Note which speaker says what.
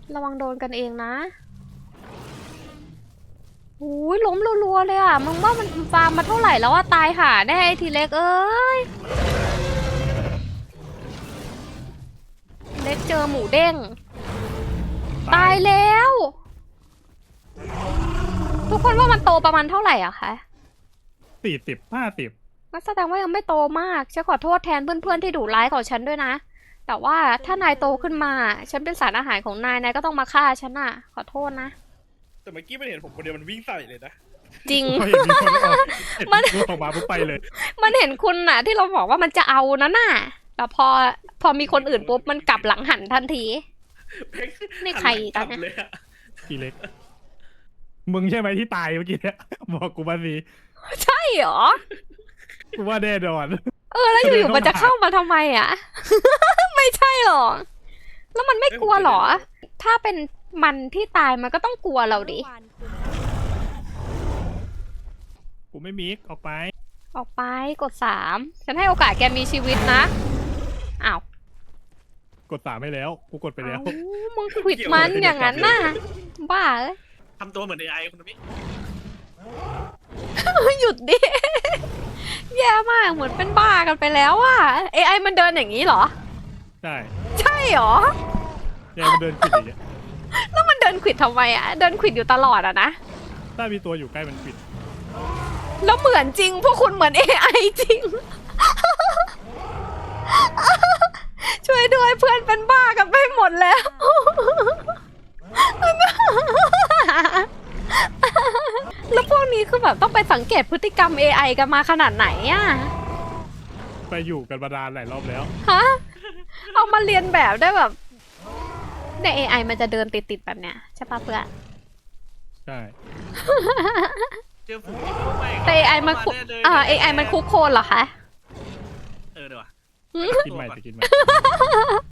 Speaker 1: ระวังโดนกันเองนะอุ้ยล้มรัวๆเลยอ่ะมึงว่ามันฟาร์มมาเท่าไหร่แล้วว่าตายห่าแน่ไอ้ทีเล็กเอ้ยเล็กเจอหมูเด้งตายแล้วทุกคนว่ามันโตประมาณเท่าไหร่อะคะ
Speaker 2: 40-50
Speaker 1: งั้นแสดงว่ายังไม่โตมากฉันขอโทษแทนเพื่อนๆที่ดุร้ายของฉันด้วยนะแต่ว่าถ้านายโตขึ้นมาฉันเป็นสารอาหารของนายก็ต้องมาฆ่าฉันอะขอโทษนะ
Speaker 3: แต่เมื่อกี้ไม่เห็นผมคนเดียวมันวิ่งใส่เลยนะ
Speaker 1: จริง
Speaker 2: พอเห็นมีคนออกมันออกมาปุ๊บไปเลย
Speaker 1: มันเห็นคุณน่ะที่เราบอกว่ามันจะเอานั่นน่ะแต่พอมีคนอื่นปุ๊บมันกลับหลังหันทันที นี่ใครตอนเนี้ย
Speaker 3: เลยอะ
Speaker 2: ทีเล็กมึงใช่ไหมที่ตายเมื่อกี้เนี่ยบอกกูมาสิ
Speaker 1: ใช่เหรอ
Speaker 2: กูว่าแน่นอน
Speaker 1: แล้วอยู่ๆมันจะเข้ามาทำไมอ่ะ ไม่ใช่หรอกแล้วมันไม่กลัวหรอ ถ้าเป็นมันที่ตายมันก็ต้องกลัวเราดิ
Speaker 2: กูไม่มิกออกไป
Speaker 1: ออกไปกด3ฉันให้โอกาสแกมีชีวิตนะอ้าว
Speaker 2: กด3ให้แล้วกูกดไปแล้ว
Speaker 1: เอ้ามึงขวิดมันอย่างนั้นน่ะบ้าเอ้ย
Speaker 3: ทำตัวเหมือน AI คุณมิ
Speaker 1: หยุดดิ แย่มากเหมือนเป็นบ้ากันไปแล้วอ่ะ AI มันเดินอย่างนี้เหรอ
Speaker 2: ใช่
Speaker 1: ใช่เหรอ
Speaker 2: แกมันเดินปิดอย่างเงี้ย
Speaker 1: แล้วมันเดินขวิดทำไมอ่ะ เดินขวิดอยู่ตลอดอ่ะนะ
Speaker 2: ถ้ามีตัวอยู่ใกล้มันปิด
Speaker 1: แล้วเหมือนจริงพวกคุณเหมือน AI จริง ช่วยด้วยเพื่อนเป็นบ้ากันไปหมดแล้ว แล้วพวกนี้คือแบบต้องไปสังเกตพฤติกรรม AI กันมาขนาดไหนอ่ะ
Speaker 2: ไปอยู่กันมานานหลายรอบแล้ว
Speaker 1: ฮะ เอามาเรียนแบบได้แบบใน AI มันจะเดินติดๆแบบเนี้ยใช่ปะเพื่อน
Speaker 2: ใช่
Speaker 3: เจอฝูงที่เข้าไป
Speaker 1: แต่ AI มันคุกAI มันคุกโคลนเหรอคะ
Speaker 3: เดี๋ยวว่ะ
Speaker 2: กินใหม่จะกินใหม่